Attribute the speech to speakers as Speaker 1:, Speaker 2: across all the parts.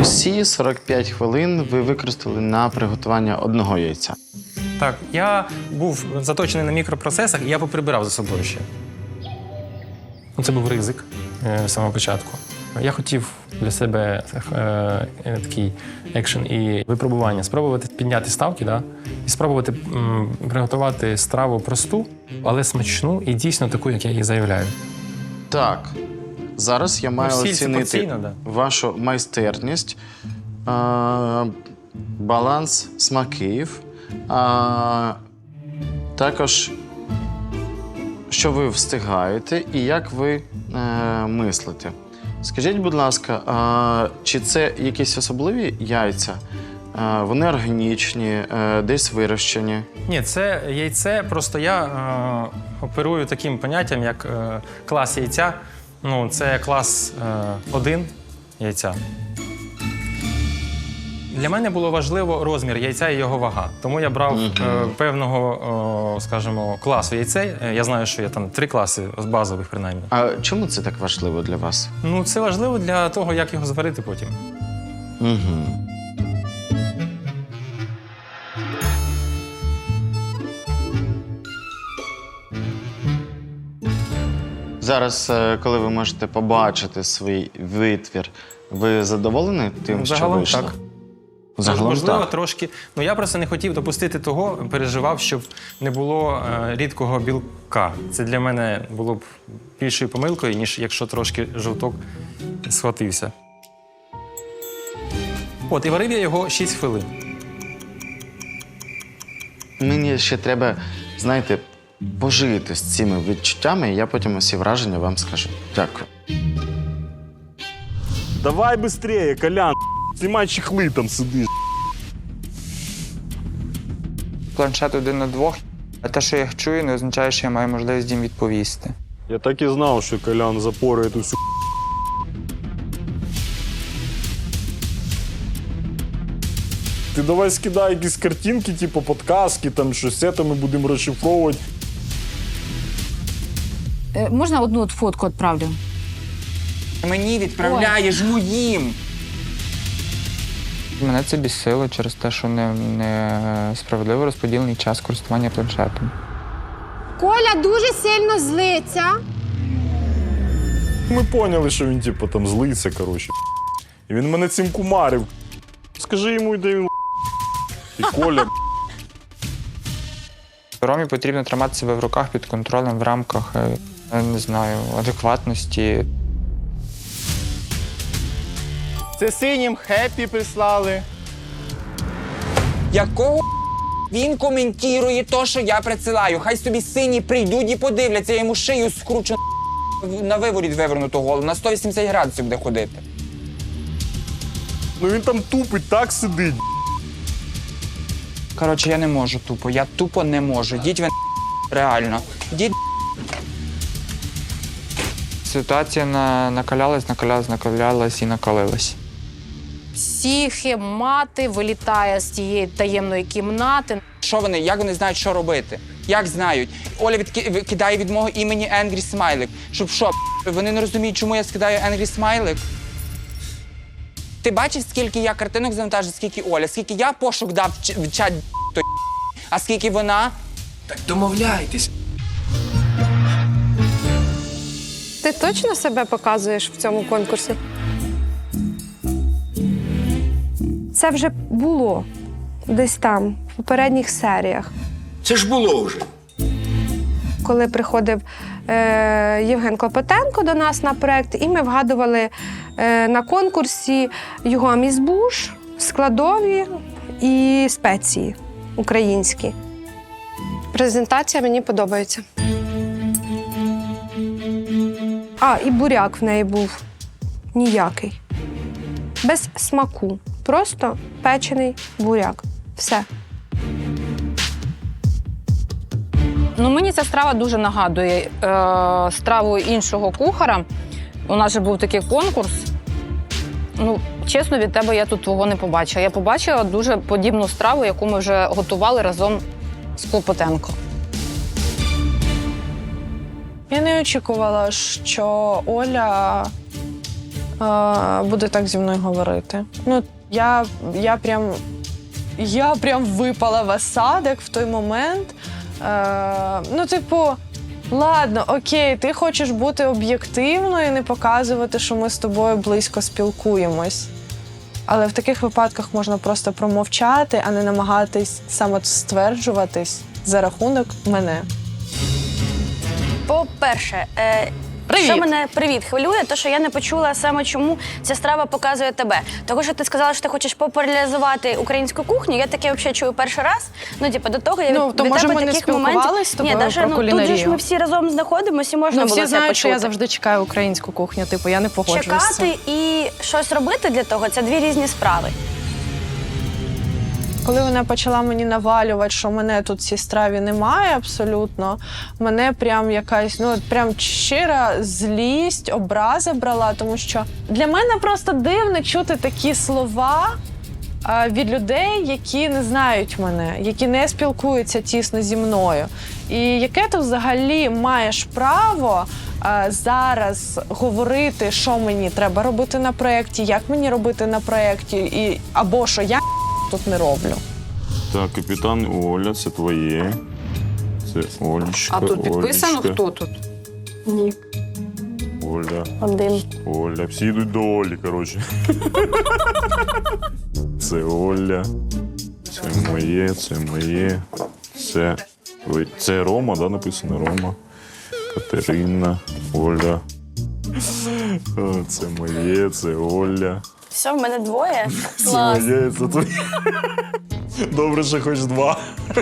Speaker 1: Усі 45 хвилин ви використали на приготування одного яйця.
Speaker 2: Так, я був заточений на мікропроцесах, і я поприбирав за собою ще. Це був ризик з самого початку. Я хотів для себе такий екшен і випробування. Спробувати підняти ставки, да? І спробувати приготувати страву просту, але смачну і дійсно таку, як я її заявляю.
Speaker 1: Так, зараз я маю оцінити вашу майстерність, баланс смаків, також що ви встигаєте і як ви мислите. Скажіть, будь ласка, чи це якісь особливі яйця? Вони органічні, десь вирощені?
Speaker 2: Ні, це яйце, просто я оперую таким поняттям, як клас яйця. Ну, це клас 1 яйця. Для мене було важливо розмір яйця і його вага. Тому я брав певного, скажімо, класу яйцей. Я знаю, що є там 3 класи базових, принаймні.
Speaker 1: А чому це так важливо для вас?
Speaker 2: Ну, це важливо для того, як його зварити потім.
Speaker 1: Угу. Зараз, коли ви можете побачити свій витвір, ви задоволені тим, що вийшло?
Speaker 2: Так.
Speaker 1: Загалом
Speaker 2: можливо,
Speaker 1: так.
Speaker 2: трошки. Ну, я просто не хотів допустити того, переживав, щоб не було рідкого білка. Це для мене було б більшою помилкою, ніж якщо трошки жовток схватився. От, і варив я його 6 хвилин.
Speaker 1: Мені ще треба, знаєте, пожити з цими відчуттями, і я потім усі враження вам скажу. Дякую.
Speaker 3: Давай быстрее, Колян. Знімай чехли, там сидиш.
Speaker 4: Планшет 1 на 2. А те, що я їх чую, не означає, що я маю можливість їм відповісти.
Speaker 3: Я так і знав, що Колян запорує ту всю. Ти давай скидай якісь картинки, типу подказки, там щось це, ми будемо розшифровувати.
Speaker 5: Можна одну фотку відправлю?
Speaker 4: Мені відправляєш моїм! Мене це бісило через те, що не справедливо розподілений час користування планшетом.
Speaker 5: Коля дуже сильно злиться.
Speaker 3: Ми поняли, що він типу там злиться, коротше. І він мене цим кумарив. Скажи йому, де він і Коля.
Speaker 4: Ромі потрібно тримати себе в руках під контролем в рамках, я не знаю, адекватності.
Speaker 6: Це синім хеппі прислали.
Speaker 7: Якого він коментує те, що я присилаю? Хай собі сині прийдуть і подивляться, я йому шию скручу на виворіт вивернуту голову, на 180 градусів буде ходити.
Speaker 3: Ну він там тупить, так сидить.
Speaker 7: Коротше, я не можу тупо, я тупо не можу. Йдіть ви реально. Йдіть.
Speaker 4: Ситуація накалялась і накалилась.
Speaker 5: Психемати вилітає з тієї таємної кімнати.
Speaker 7: Що вони, як вони знають, що робити? Як знають? Оля кидає від мого імені Angry смайлик. Щоб що, вони не розуміють, чому я скидаю Angry смайлик? Ти бачиш, скільки я картинок завантажив, скільки Оля, скільки я пошук дав в чат той, а скільки вона?
Speaker 8: Так домовляйтесь.
Speaker 9: Ти точно себе показуєш в цьому конкурсі? Це вже було десь там, в попередніх серіях.
Speaker 8: Це ж було вже.
Speaker 9: Коли приходив Євген Клопотенко до нас на проєкт, і ми вгадували на конкурсі його амізбуш, складові і спеції українські. Презентація мені подобається. А, і буряк в неї був ніякий. Без смаку. Просто печений буряк. Все.
Speaker 5: Ну, мені ця страва дуже нагадує страву іншого кухаря. У нас же був такий конкурс. Ну, чесно, від тебе я тут твого не побачила. Я побачила дуже подібну страву, яку ми вже готували разом з Клопотенко.
Speaker 9: Я не очікувала, що Оля
Speaker 10: буде так зі мною говорити. Ну, я прям випала в осадок в той момент. Ну, типу, ладно, окей, ти хочеш бути об'єктивною і не показувати, що ми з тобою близько спілкуємось. Але в таких випадках можна просто промовчати, а не намагатись самостверджуватись за рахунок мене.
Speaker 11: По-перше,
Speaker 10: Привіт.
Speaker 11: що мене хвилює, то що я не почула саме, чому ця страва показує тебе. Тому що ти сказала, що ти хочеш популяризувати українську кухню. Я таке взагалі чую перший раз. Ну, типу, до того я
Speaker 10: Ну, то,
Speaker 11: від
Speaker 10: може,
Speaker 11: тебе
Speaker 10: ми не
Speaker 11: таких моментів.
Speaker 10: спілкувались з тобою
Speaker 11: Ні, даже,
Speaker 10: про
Speaker 11: тут же
Speaker 10: кулінарію?
Speaker 11: ж ми всі разом знаходимося і можна
Speaker 10: Ну,
Speaker 11: було
Speaker 10: всі
Speaker 11: це
Speaker 10: знають,
Speaker 11: почути.
Speaker 10: що я завжди чекаю українську кухню. Типу, я не погоджуюсь з цим.
Speaker 11: Чекати і щось робити для того – це дві різні справи.
Speaker 10: Коли вона почала мені навалювати, що мене тут в цій страві немає абсолютно, мене прям якась, ну, прям щира злість, образа брала, тому що для мене просто дивно чути такі слова від людей, які не знають мене, які не спілкуються тісно зі мною. І яке ти взагалі маєш право зараз говорити, що мені треба робити на проєкті, як мені робити на проєкті, або що я тут не роблю.
Speaker 3: Так, капітан Оля, це твоє. Це Олечка.
Speaker 5: А тут підписано,
Speaker 3: Олечка.
Speaker 5: хто тут?
Speaker 11: Ні.
Speaker 3: Оля.
Speaker 11: Один.
Speaker 3: Оля. Всі йдуть до Олі, коротше. Це Оля. Це моє, це моє. Це Рома, да, написано Рома. Катерина, Оля. Це моє, це Оля.
Speaker 11: Все, в мене двоє.
Speaker 3: Це
Speaker 11: Клас.
Speaker 3: моє, це твоє. Добре, що хоч два.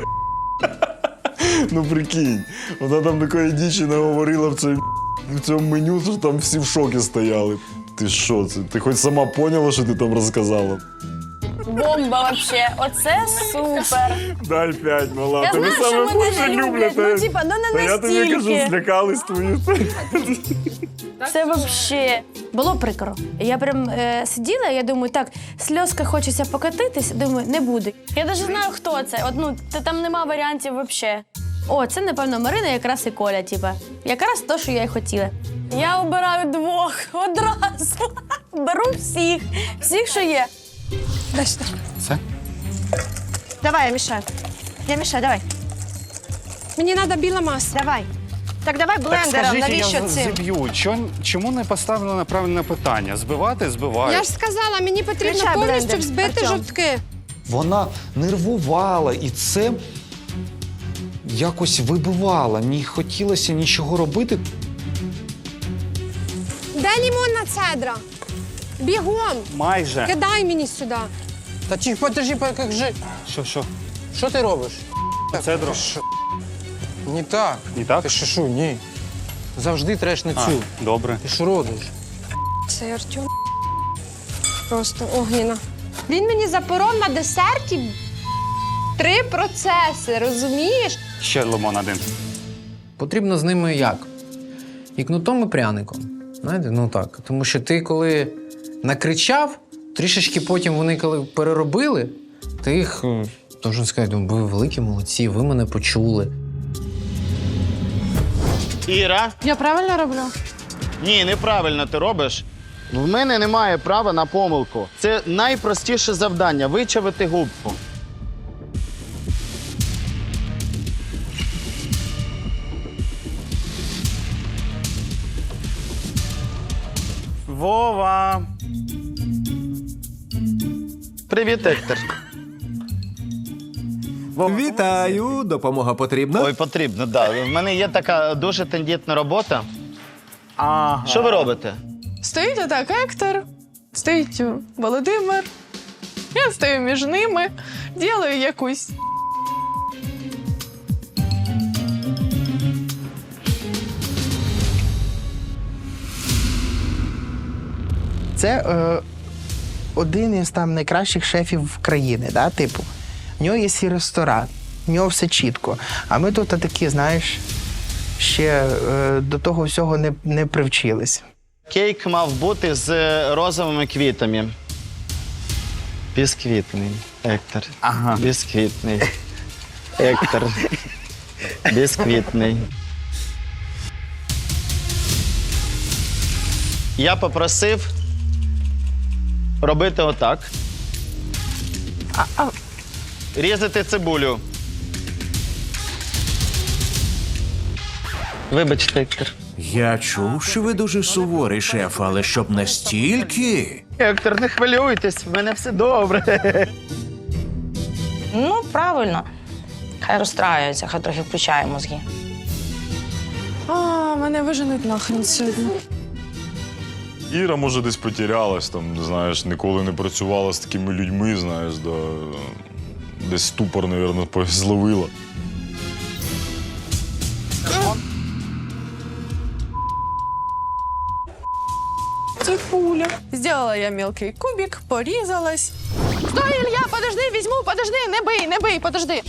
Speaker 3: Ну прикинь, вона там такої дічі наговорила в цьому меню, що там всі в шокі стояли. Ти що це? Ти хоч сама поняла, що ти там розказала?
Speaker 11: Бомба вообще. Оце супер.
Speaker 3: Дай 5, мала.
Speaker 11: Я
Speaker 3: Тебе
Speaker 11: знаю, що
Speaker 3: саме
Speaker 11: мене
Speaker 3: більше
Speaker 11: не люблять.
Speaker 3: люблять.
Speaker 11: Ну, типа, ну не
Speaker 3: Та я тобі кажу,
Speaker 11: настільки.
Speaker 3: злякались твої.
Speaker 11: Це вообще.
Speaker 12: Було прикро. Я прям сиділа, я думаю, так, сльозка хочеться покатитись, думаю, не буде.
Speaker 11: Я навіть знаю, хто це. От, ну, там нема варіантів вообще.
Speaker 12: О, це, напевно, Марина якраз і Коля, типа. Якраз то, що я й хотіла.
Speaker 11: Я обираю двох одразу. Беру всіх. Всіх, що є.
Speaker 1: Все?
Speaker 9: Давай, я мішаю. Я мішаю, давай. Мені треба біла маса. Давай. Так давай блендером, навіщо цим?
Speaker 6: зіб'ю. Чому не поставлено на правильне питання? Збивати? Збиваю.
Speaker 9: Я ж сказала, мені потрібно
Speaker 10: Включай
Speaker 9: повністю
Speaker 10: блендер,
Speaker 9: взбити
Speaker 10: Артем.
Speaker 9: жовтки.
Speaker 13: Вона нервувала, і це якось вибивало. Не хотілося нічого робити.
Speaker 9: Де лимонна цедра? Бігом.
Speaker 6: Майже.
Speaker 9: Кидай мені сюди.
Speaker 6: Та чи подожди, як же. Що? Що ти робиш? Цедру. Не так. Не так? Ти що, ні. Завжди треш на цю. Добре. Ти що робиш?
Speaker 9: Це Артем. Просто огніна. Він мені запоров на десерті 3 процеси, розумієш?
Speaker 6: Ще лимон один.
Speaker 14: Потрібно з ними як? І кнутом, і пряником. Знаєте, ну так. Тому що ти коли накричав, трішечки потім вони коли переробили, ти їх, должен сказати, ви великі молодці, ви мене почули.
Speaker 1: Іра?
Speaker 10: Я правильно роблю?
Speaker 1: Ні, неправильно ти робиш. В мене немає права на помилку. Це найпростіше завдання – вичавити губку.
Speaker 6: Вова.
Speaker 1: Привіт, Ектор.
Speaker 6: Вітаю. Допомога потрібна?
Speaker 1: Ой, потрібно, так. Да. В мене є така дуже тендітна робота.
Speaker 6: Ага.
Speaker 1: Що ви робите?
Speaker 10: Стоїть отак Ектор, стоїть Володимир. Я стою між ними, ділаю якусь.
Speaker 15: Це один із там найкращих шефів країни, да, типу. В нього є свій ресторан, в нього все чітко. А ми тут такі, знаєш, ще до того всього не привчились.
Speaker 1: Кейк мав бути з розовими квітами. Бісквітний, Ектор.
Speaker 6: Ага.
Speaker 1: Бісквітний. Ектор. Бісквітний. Я попросив робити отак. Різати цибулю. Вибачте, Ектор.
Speaker 8: Я чув, що ви дуже суворий, шеф, але щоб настільки.
Speaker 1: Ектор, не хвилюйтесь, в мене все добре.
Speaker 16: Ну, правильно. Хай розстраюється, хай трохи включає мозги.
Speaker 10: Мене виженуть нахрен сьогодні.
Speaker 3: Іра, може, десь потерялась, там, знаєш, ніколи не працювала з такими людьми, знаєш, да, десь ступор, мабуть, зловила.
Speaker 10: Цибуля. Сделала я мелкий кубик, порізалась. Стой, Ілля, подожди, візьму, подожди, не бий, подожди.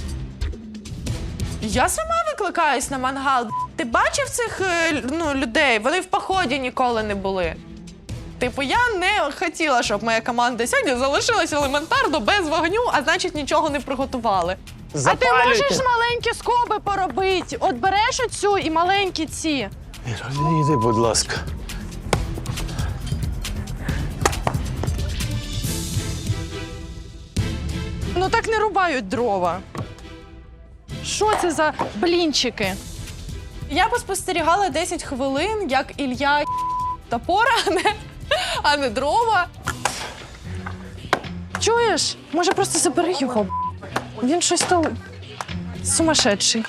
Speaker 10: Я сама викликаюсь на мангал. Ти бачив цих людей? Вони в поході ніколи не були. Типу, я не хотіла, щоб моя команда сьогодні залишилась елементарно без вогню, а значить нічого не приготували. А ти можеш маленькі скоби поробити? От береш оцю і маленькі ці.
Speaker 6: Іди, будь ласка.
Speaker 10: Ну так не рубають дрова. Що це за блінчики? Я поспостерігала 10 хвилин, як Ілля топора, а не дрова. Чуєш? Може, просто забери його. Він щось то сумасшедший.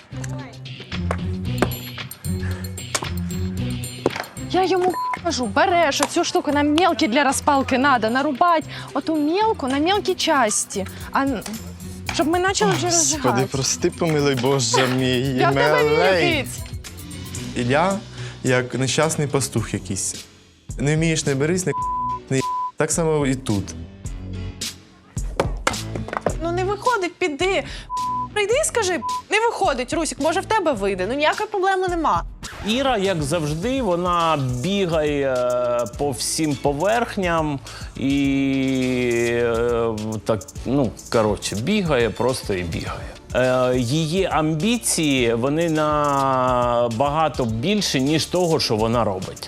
Speaker 10: Я йому кажу, береш оцю штуку, на мелкі для розпалки треба, нарубати оту мелку на мелкі часті. Щоб ми почали вже розжигати.
Speaker 1: Господи, прости, помилуй, Боже мій,
Speaker 10: Я в тебе вірить.
Speaker 17: Ілля як нещасний пастух якийсь. Не вмієш, не берись, не так само і тут.
Speaker 10: Ну не виходить, піди. Прийди і скажи, не виходить, Русік, може в тебе вийде. Ну ніякої проблеми нема.
Speaker 18: Іра, як завжди, вона бігає по всім поверхням і так, ну, коротше, бігає просто і бігає. Її амбіції, вони набагато більше, ніж того, що вона робить.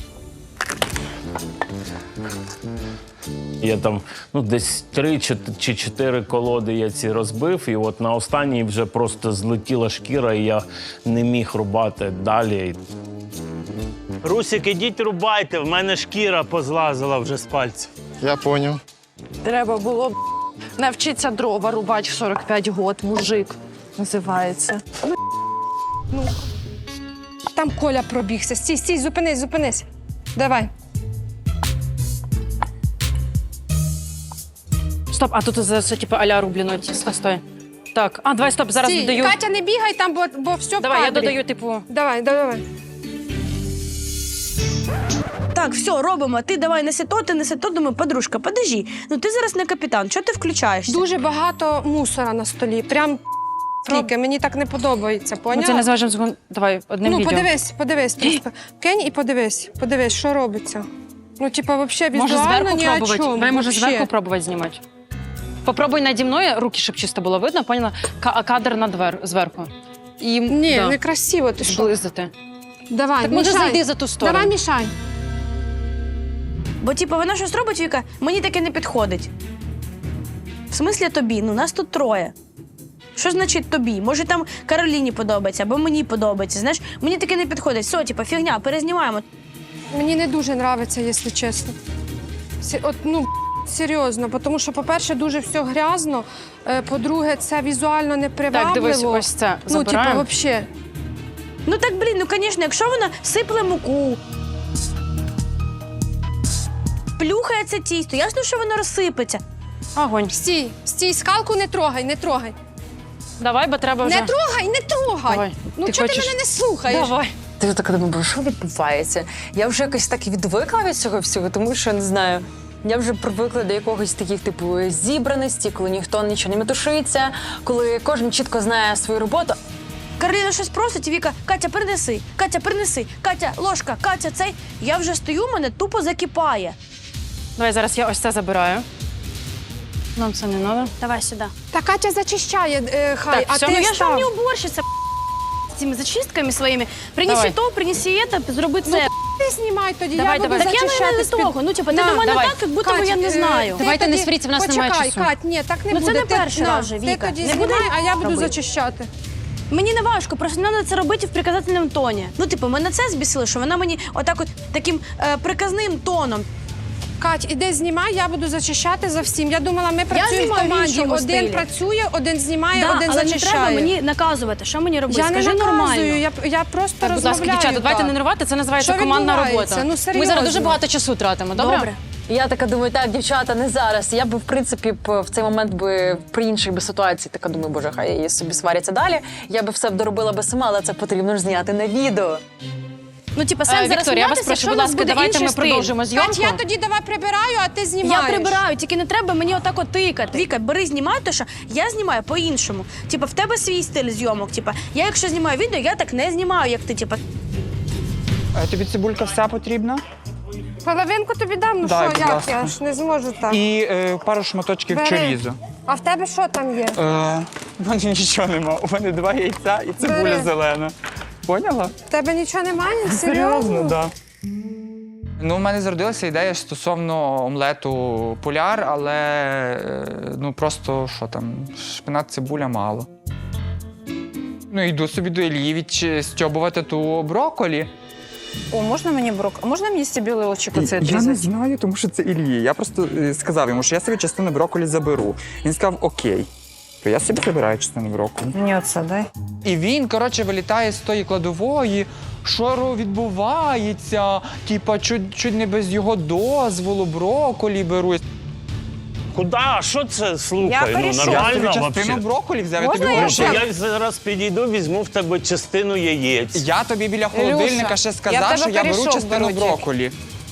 Speaker 18: Я там десь 3 чи 4 колоди я ці розбив, і от на останній вже просто злетіла шкіра, і я не міг рубати далі.
Speaker 19: Русік, ідіть рубайте, в мене шкіра позлазила вже з пальців.
Speaker 1: Я поняв.
Speaker 10: Треба було навчитися дрова рубати в 45 год, мужик називається.
Speaker 5: Ну. Там Коля пробігся. Стій, стій, зупинись. Давай.
Speaker 20: Стоп, а тут це типу а-ля рублено. Стой. Так, давай, стоп, зараз
Speaker 5: Стій,
Speaker 20: додаю.
Speaker 5: Катя, не бігай там, бо все в
Speaker 20: Давай, я
Speaker 5: кадрі.
Speaker 20: додаю, типу.
Speaker 5: Давай.
Speaker 11: Так, все, робимо. Ти давай неси то. Думаю, подружка, подожди. Ну ти зараз не капітан, чого ти включаєшся?
Speaker 5: Дуже багато мусора на столі. Прям скільки. Мені так не подобається, поняла?
Speaker 20: Це не зважимо. Давай, одним відео.
Speaker 5: Подивись просто. Кинь і подивись, що робиться. Ну, типа, взагалі візуально
Speaker 20: Може зверху
Speaker 5: ні о
Speaker 20: пробувати?
Speaker 5: чому.
Speaker 20: Давай, може,
Speaker 5: Вообще.
Speaker 20: зверху пробувати знімати. Попробуй наді мною, руки, щоб чисто було видно, поняла? Кадр зверху. І,
Speaker 5: Ні, некрасиво, ти що?
Speaker 20: Зблизити.
Speaker 5: Давай,
Speaker 20: Так може
Speaker 5: мішай.
Speaker 20: зайди за ту сторону.
Speaker 5: Давай, мішай.
Speaker 11: Бо, типу, вона щось робить, Віка, мені таке не підходить. В смислі тобі? Ну, нас тут 3. Що значить тобі? Може, там Кароліні подобається, або мені подобається. Знаєш, мені таке не підходить. Все, типу, фігня, перезнімаємо.
Speaker 5: Мені не дуже подобається, якщо чесно. Серйозно, тому що, по-перше, дуже все грязно, по-друге, це візуально непривабливо.
Speaker 20: Так, дивись, ось це забираємо.
Speaker 5: взагалі.
Speaker 11: Ну так, звісно, якщо вона сипле муку, плюхає це тісто, ясно, що воно розсипеться.
Speaker 20: Огонь.
Speaker 5: Стій, скалку не трогай.
Speaker 20: Давай, бо треба вже...
Speaker 5: Не трогай!
Speaker 20: Давай.
Speaker 5: Ну, чого ти мене не слухаєш?
Speaker 20: Давай.
Speaker 21: Ти така думаю, що відбувається? Я вже якось так відвикла від цього всього, тому що, не знаю, я вже привикла до якогось таких, типу, зібраності, коли ніхто нічого не метушиться, коли кожен чітко знає свою роботу.
Speaker 11: Кароліна щось просить, і Віка, Катя, принеси, Катя, ложка, Катя, цей. Я вже стою, мене тупо закипає.
Speaker 20: Давай, зараз я ось це забираю. Нам це не треба.
Speaker 11: Давай сюди.
Speaker 5: Та Катя зачищає, хай,
Speaker 20: Так,
Speaker 5: а
Speaker 20: все,
Speaker 5: ти
Speaker 11: Я ж вам
Speaker 5: став.
Speaker 11: не уборщиця. цими зачистками своїми. Принеси
Speaker 5: Давай.
Speaker 11: то, принеси це, зроби це.
Speaker 9: Ти знімай тоді,
Speaker 11: Давай,
Speaker 9: я буду
Speaker 11: давай. Так я
Speaker 9: зачищати
Speaker 11: не
Speaker 9: з-під-
Speaker 11: того. Ну, типу, ти до мене
Speaker 5: давай.
Speaker 11: так, як будто би я не знаю.
Speaker 20: Давайте не сваріться, в нас немає
Speaker 9: Почекай,
Speaker 20: часу.
Speaker 9: Кать, ні, так не
Speaker 11: Ну,
Speaker 9: буде.
Speaker 11: це не
Speaker 9: Ти-
Speaker 11: перший раз вже,
Speaker 9: Ти
Speaker 11: Віка.
Speaker 9: тоді
Speaker 11: Не
Speaker 9: знімай,
Speaker 11: буде
Speaker 9: а я буду
Speaker 11: робити.
Speaker 9: зачищати.
Speaker 11: Мені не важко, просто не треба це робити в приказательному тоні. Ну, типу, мене це збісило, що вона мені отак от таким приказним тоном.
Speaker 9: Кать, іди знімай, я буду зачищати за всім. Я думала, ми працюємо в
Speaker 11: знімаю в
Speaker 9: команді.
Speaker 11: іншому
Speaker 9: Один
Speaker 11: стилі.
Speaker 9: працює, один знімає,
Speaker 11: Да,
Speaker 9: один
Speaker 11: але не
Speaker 9: зачищає.
Speaker 11: треба мені наказувати, що мені робити.
Speaker 9: Я не
Speaker 11: Скажи
Speaker 9: наказую,
Speaker 11: нормально.
Speaker 9: я просто
Speaker 20: Так, будь ласка,
Speaker 9: розмовляю.
Speaker 20: дівчата, давайте
Speaker 9: так.
Speaker 20: не нервувати, це називається
Speaker 9: Що
Speaker 20: командна
Speaker 9: відбувається?
Speaker 20: робота.
Speaker 9: Ну,
Speaker 20: Ми
Speaker 9: серйозно.
Speaker 20: зараз дуже багато часу тратимо, добре?
Speaker 11: Добре.
Speaker 21: Я така думаю, так, дівчата, не зараз. Я би, в принципі, в цей момент би при іншій би ситуації така думаю, боже, хай її собі сваряться далі. Я би все доробила би сама, але це потрібно ж зняти на відео.
Speaker 11: Ну, типу, сенс зараз
Speaker 20: Вікторія, я вас
Speaker 11: сміятися,
Speaker 20: прошу,
Speaker 11: якщо
Speaker 20: будь
Speaker 11: в нас
Speaker 20: ласка,
Speaker 11: буде
Speaker 20: давайте
Speaker 11: інший
Speaker 20: ми
Speaker 11: стиль.
Speaker 20: продовжимо зйомку.
Speaker 9: Кать, я тоді давай прибираю, а ти
Speaker 11: Я
Speaker 9: знімаєш.
Speaker 11: прибираю, тільки не треба мені отак от тикати. Віка, бери, знімай, то що я знімаю по-іншому. Типа, в тебе свій стиль зйомок. Типа, я якщо знімаю відео, я так не знімаю, як ти. Типа,
Speaker 7: Тобі цибулька вся потрібна?
Speaker 9: Половинку тобі дам, ну
Speaker 7: Дай,
Speaker 9: що,
Speaker 7: будь
Speaker 9: як
Speaker 7: ласка.
Speaker 9: я ж не зможу так.
Speaker 7: І пару шматочків
Speaker 9: Бери.
Speaker 7: чорізу.
Speaker 9: А в тебе що там є?
Speaker 7: У мене нічого нема. У мене 2 яйця і цибуля
Speaker 9: Бери.
Speaker 7: зелена. Поняла?
Speaker 9: В тебе нічого немає? Серйозно?
Speaker 7: так. Ну, у мене зародилася ідея стосовно омлету поляр, але ну просто що там, шпинат, цибуля мало. Ну, йду собі до Іллі відстьобувати ту брокколі.
Speaker 5: О, можна мені А можна мені стебілочок оце
Speaker 7: Я не
Speaker 5: відрізати?
Speaker 7: знаю, тому що це Іллі. Я просто сказав йому, що я собі частину брокколі заберу. Він сказав окей. То я собі забираю частину брокколі.
Speaker 5: Мені оце дай.
Speaker 7: І він, коротше, вилітає з тої кладової. Що відбувається? Типа, чуть не без його дозволу брокколі беруть.
Speaker 19: Куда? Що це? Слухай,
Speaker 9: Я
Speaker 19: ну
Speaker 9: перейшов.
Speaker 7: Я
Speaker 19: нормально
Speaker 7: собі частину
Speaker 19: взагалі.
Speaker 7: брокколі взяв, я
Speaker 9: Можна
Speaker 7: тобі
Speaker 9: я
Speaker 7: говорю,
Speaker 19: Слухай,
Speaker 7: що
Speaker 19: я зараз підійду, візьму в тебе частину яєць.
Speaker 7: я тобі біля холодильника ще
Speaker 9: я
Speaker 7: сказав,
Speaker 9: тебе
Speaker 7: що я беру
Speaker 9: пиріжок
Speaker 7: частину
Speaker 9: беру
Speaker 7: брокколі.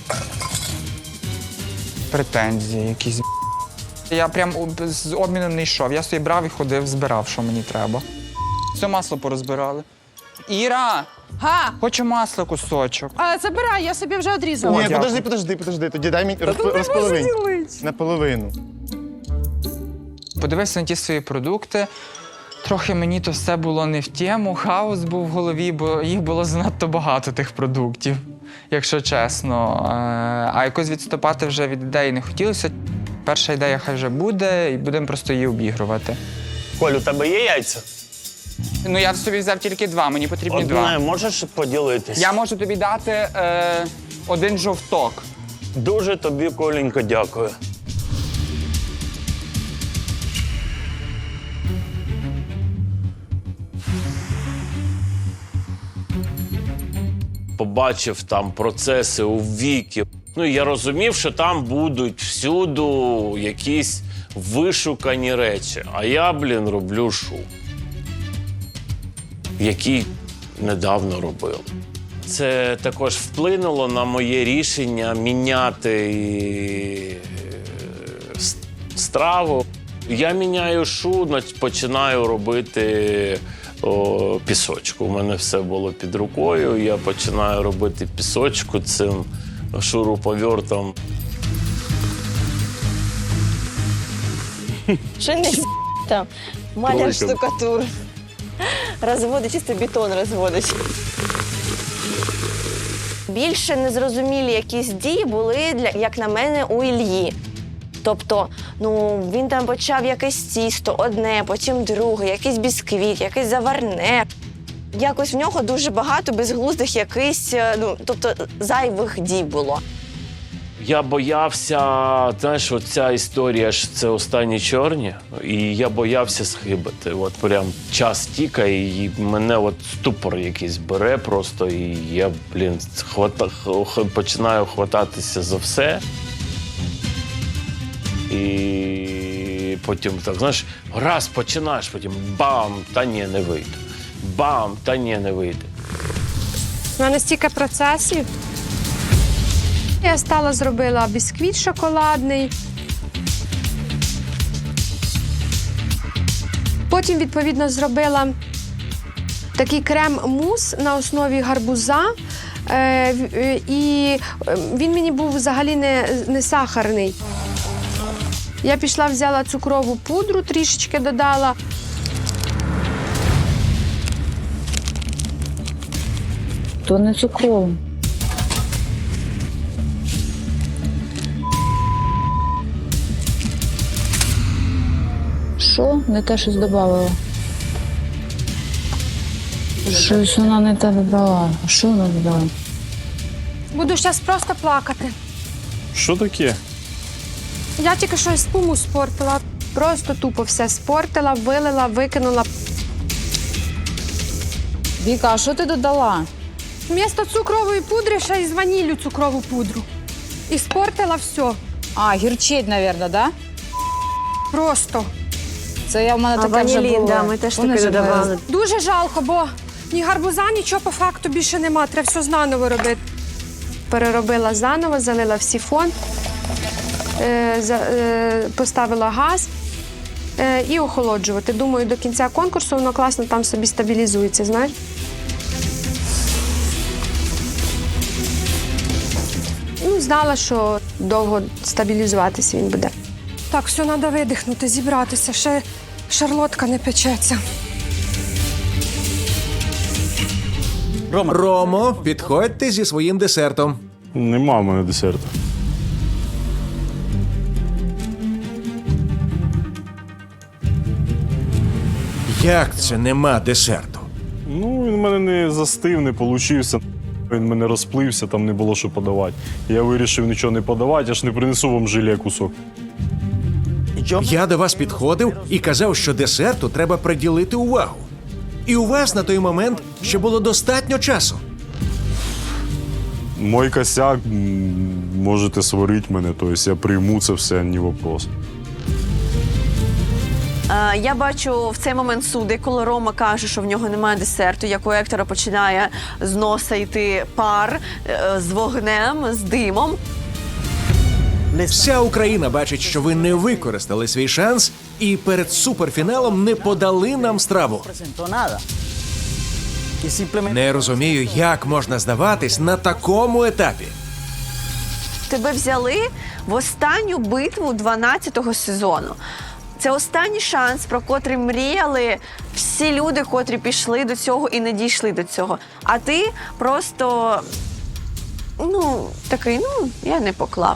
Speaker 7: Претензії якісь. Я прям з обміном не йшов. Я собі брав і ходив, збирав, що мені треба. Все масло порозбирали. Іра,
Speaker 9: Га!
Speaker 7: хочу масло кусочок.
Speaker 9: А, забирай, я собі вже одрізала.
Speaker 7: Ні,
Speaker 17: подожди. Тоді дай мені розполовинь. Наполовину.
Speaker 7: Подивився на ті свої продукти. Трохи мені то все було не в тему, хаос був в голові, бо їх було занадто багато тих продуктів, якщо чесно. А якось відступати вже від ідеї не хотілося. Перша ідея хай вже буде, і будемо просто її обігрувати.
Speaker 19: Коль, у тебе є яйця?
Speaker 7: Ну, я собі взяв тільки 2, мені потрібні
Speaker 19: Одне
Speaker 7: 2.
Speaker 19: можеш поділитись?
Speaker 7: Я можу тобі дати 1 жовток.
Speaker 19: Дуже тобі, Коленько, дякую. Побачив там процеси у Вікі. Ну, і я розумів, що там будуть всюду якісь вишукані речі. А я, роблю шоу, який недавно робили. Це також вплинуло на моє рішення міняти страву. Я міняю шу, починаю робити пісочку. У мене все було під рукою. Я починаю робити пісочку цим шуруповертом.
Speaker 9: Ще не там. Маляр штукатур. Розводить, чисто бетон розводить. Більше незрозумілі якісь дії були, як на мене, у Іллі. Тобто, він там почав якесь тісто, одне, потім друге, якийсь бісквіт, якесь заварне. Якось в нього дуже багато безглуздих якихось, тобто зайвих дій було.
Speaker 19: Я боявся, знаєш, оця історія ж це останні чорні, і я боявся схибити. От прям час тікає, і мене от ступор якийсь бере просто, і я, починаю хвататися за все. І потім так, знаєш, раз починаєш, потім бам, та ні, не вийде. Бам, та ні, не вийде.
Speaker 9: У мене стільки процесів. Я зробила бісквіт шоколадний. Потім, відповідно, зробила такий крем-мус на основі гарбуза. І він мені був взагалі не сахарний. Я пішла, взяла цукрову пудру, трішечки додала.
Speaker 5: То не цукровий. Що? Не те щось додавала. Щось вона не те додала. Що вона додала?
Speaker 2: Буду зараз просто плакати.
Speaker 3: Що таке?
Speaker 2: Я тільки що спуму спортила. Просто тупо все спортила, вилила, викинула.
Speaker 5: Віка, а що ти додала?
Speaker 2: Вмісто цукрової пудри ще й з ваніллю цукрову пудру. І спортила все.
Speaker 5: А, гірчить, мабуть, да?
Speaker 2: Просто.
Speaker 5: Це я в мене таке вже було.
Speaker 9: Да, ми теж таке
Speaker 5: Помниш, як
Speaker 9: додавали.
Speaker 2: Дуже жалко, бо ні гарбуза, нічого по факту більше нема. Треба все заново робити. Переробила заново, залила в сифон, поставила газ і охолоджувати. Думаю, до кінця конкурсу воно класно там собі стабілізується, знаєш? Ну, знала, що довго стабілізуватися він буде. Так, все, треба видихнути, зібратися. Ще шарлотка не печеться.
Speaker 8: Ромо, підходьте зі своїм десертом.
Speaker 3: Нема в мене десерту.
Speaker 8: Як це нема десерту?
Speaker 3: Ну, він в мене не застив, не получився. Він мене розплився, там не було що подавати. Я вирішив нічого не подавати, я ж не принесу вам желе кусок.
Speaker 8: Я до вас підходив і казав, що десерту треба приділити увагу. І у вас на той момент ще було достатньо часу.
Speaker 3: Мой косяк, можете сварити мене, тобто я прийму це все, не вопрос.
Speaker 9: Я бачу в цей момент суди, коли Рома каже, що в нього немає десерту, як у Ектора починає з носа йти пар з вогнем, з димом.
Speaker 8: Вся Україна бачить, що ви не використали свій шанс і перед суперфіналом не подали нам страву. Не розумію, як можна здаватись на такому етапі.
Speaker 9: Тебе взяли в останню битву 12-го сезону. Це останній шанс, про котрий мріяли всі люди, котрі пішли до цього і не дійшли до цього. А ти просто, такий, я не поклав.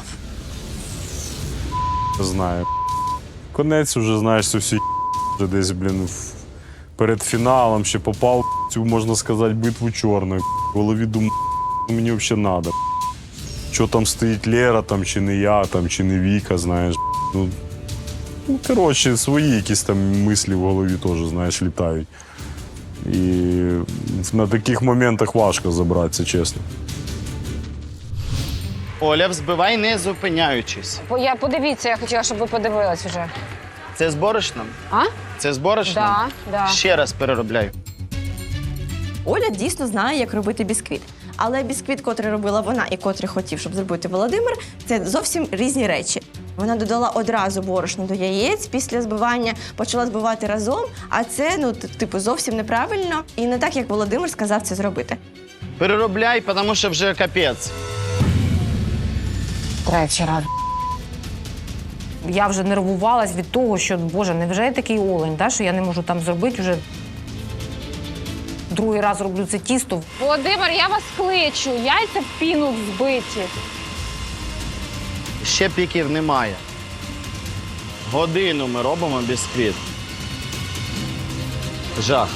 Speaker 3: Знаю. Конець вже, знаєш, це всі вже десь, перед фіналом ще попав в цю, можна сказати, битву чорну. В голові думаю, мені взагалі треба. Що там стоїть Лера, там, чи не я, там, чи не Віка, знаєш. Коротше, свої якісь там мислі в голові теж, знаєш, літають. І на таких моментах важко забратися, чесно.
Speaker 1: Оля, взбивай, не зупиняючись.
Speaker 5: Подивіться, я хотіла, щоб ви подивились вже.
Speaker 1: Це з борошном?
Speaker 5: А?
Speaker 1: Це з борошном?
Speaker 5: Да.
Speaker 1: Ще раз переробляю.
Speaker 9: Оля дійсно знає, як робити бісквіт. Але бісквіт, котрий робила вона і котрий хотів, щоб зробити Володимир, це зовсім різні речі. Вона додала одразу борошно до яєць, після збивання почала збивати разом, а це, зовсім неправильно і не так, як Володимир сказав це зробити.
Speaker 1: Переробляй, тому що вже капець.
Speaker 5: Третій раз. Я вже нервувалась від того, що, Боже, невже я такий олень, що я не можу там зробити вже другий раз роблю це тісто. Володимир, я вас кличу, яйця в піну збиті.
Speaker 1: Ще піків немає. Годину ми робимо бісквіт. Жах.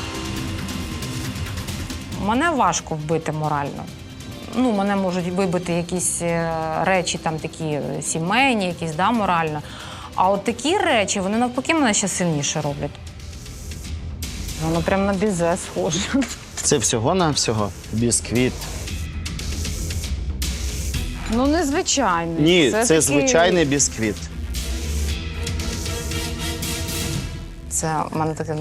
Speaker 5: Мене важко вбити морально. Мене можуть вибити якісь речі там такі сімейні, якісь, морально. А от такі речі, вони навпаки мене ще сильніше роблять. Воно прямо на бізе схоже.
Speaker 1: Це всього-навсього бісквіт.
Speaker 5: Незвичайний.
Speaker 1: Ні, це звичайний бісквіт.
Speaker 5: Це в мене таке,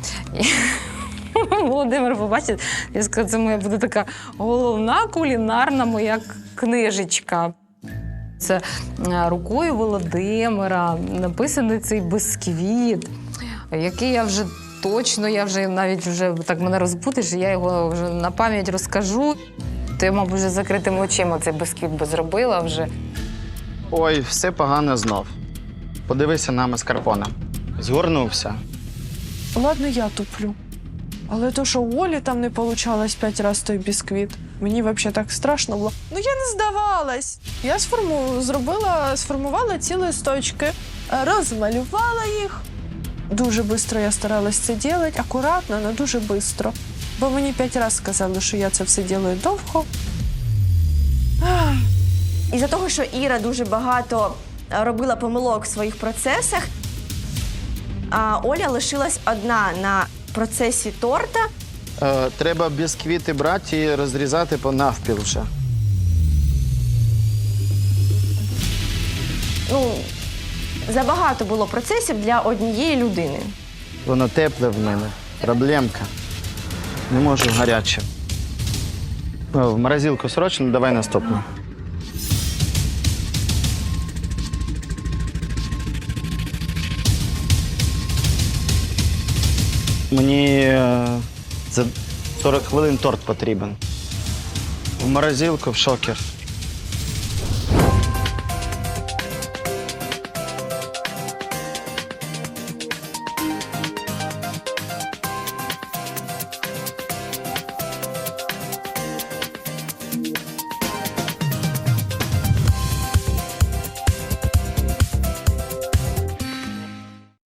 Speaker 5: Володимир побачить, я скажу, це моя буде така головна кулінарна моя книжечка. Це рукою Володимира написаний цей бісквіт, який я вже точно, навіть так мене розбудиш, я його вже на пам'ять розкажу. То я, мабуть, вже закритими очима цей бісквіт би зробила вже.
Speaker 1: Ой, все погано знов. Подивися на маскарпоне. Згорнувся.
Speaker 10: Ладно, я туплю. Але то, що у Олі там не получалось 5 разів той бісквіт, Мені взагалі так страшно було. Ну я не здавалась. Я сформувала ці листочки, розмалювала їх. Дуже швидко я старалась це робити, акуратно, але дуже швидко. Бо мені 5 разів сказали, що я це все роблю довго.
Speaker 9: Із-за того, що Іра дуже багато робила помилок в своїх процесах, а Оля лишилась одна на процесі торта.
Speaker 1: Треба бісквіти брати і розрізати по навпіл вже.
Speaker 9: Ну, забагато було процесів для однієї людини.
Speaker 1: Воно тепле в мене. Проблемка. Не можу гаряче. В морозилку срочно, давай наступну. Мені за 40 хвилин торт потрібен. В морозилку, в шокер.